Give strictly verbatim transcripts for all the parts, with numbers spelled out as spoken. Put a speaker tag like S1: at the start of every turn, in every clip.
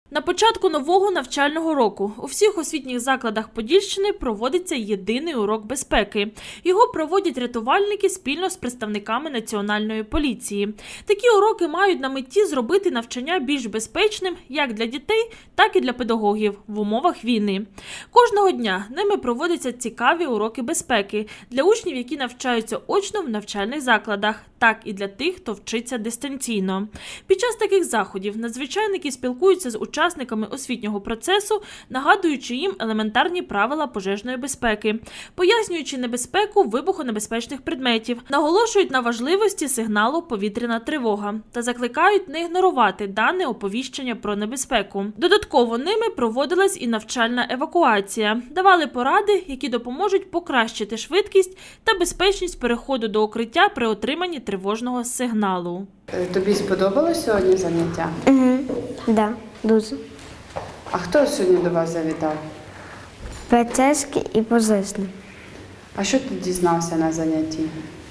S1: На початку нового навчального року у всіх освітніх закладах Подільщини проводиться єдиний урок безпеки. Його проводять рятувальники спільно з представниками Національної поліції. Такі уроки мають на меті зробити навчання більш безпечним як для дітей, так і для педагогів в умовах війни. Кожного дня ними проводяться цікаві уроки безпеки для учнів, які навчаються очно в навчальних закладах, так і для тих, хто вчиться дистанційно. Під час таких заходів надзвичайники спілкуються з учасниками учасниками освітнього процесу, нагадуючи їм елементарні правила пожежної безпеки, пояснюючи небезпеку вибухонебезпечних предметів, наголошують на важливості сигналу «Повітряна тривога» та закликають не ігнорувати дане оповіщення про небезпеку. Додатково ними проводилась і навчальна евакуація. Давали поради, які допоможуть покращити швидкість та безпечність переходу до укриття при отриманні тривожного сигналу.
S2: Тобі сподобалось сьогодні заняття?
S3: Угу. Да, дуже.
S2: А хто сьогодні до вас завітав?
S3: Поліцейський і пожежний.
S2: А що ти дізнався на занятті?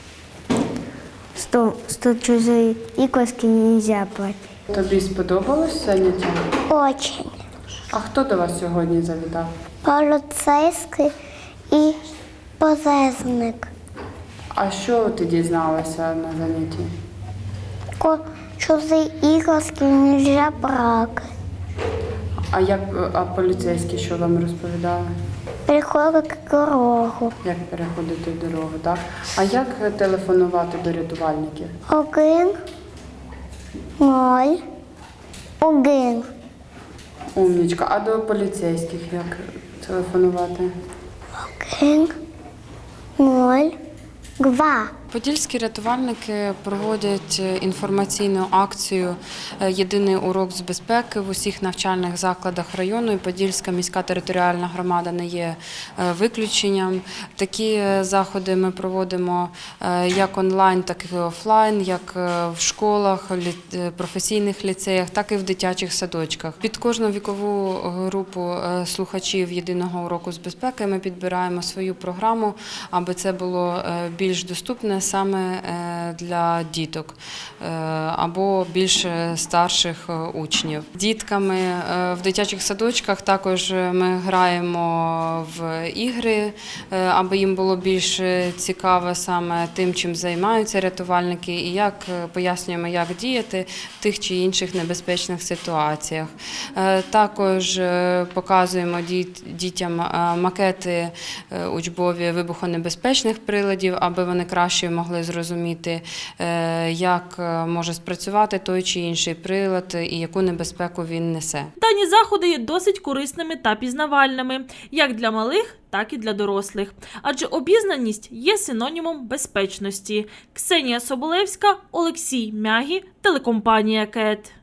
S3: Що, що чужі іграшки не можна брати.
S2: Тобі сподобалось заняття?
S4: Очень.
S2: А хто до вас сьогодні завітав?
S4: Поліцейський і пожежник.
S2: А що ти дізналася на занятті?
S4: Ко- Чужі іграшки не можна брати.
S2: А як а поліцейські що вам розповідали?
S4: Приходить дорогу.
S2: Як переходити дорогу, так? А як телефонувати до рятувальників?
S4: Один, ноль, один.
S2: Умнічка. А до поліцейських як телефонувати?
S4: Один, ноль, два.
S5: Подільські рятувальники проводять інформаційну акцію «Єдиний урок з безпеки» в усіх навчальних закладах району, і Подільська міська територіальна громада не є виключенням. Такі заходи ми проводимо як онлайн, так і офлайн, як в школах, професійних ліцеях, так і в дитячих садочках. Під кожну вікову групу слухачів «Єдиного уроку з безпеки» ми підбираємо свою програму, аби це було більш доступне саме для діток або більш старших учнів. Дітками в дитячих садочках також ми граємо в ігри, аби їм було більш цікаво саме тим, чим займаються рятувальники, і як пояснюємо, як діяти в тих чи інших небезпечних ситуаціях. Також показуємо дітям макети учбові вибухонебезпечних приладів, аби вони краще могли зрозуміти, як може спрацювати той чи інший прилад і яку небезпеку він несе.
S1: Дані заходи є досить корисними та пізнавальними, як для малих, так і для дорослих. Адже обізнаність є синонімом безпечності. Ксенія Соболевська, Олексій Мягі, телекомпанія КЕТ.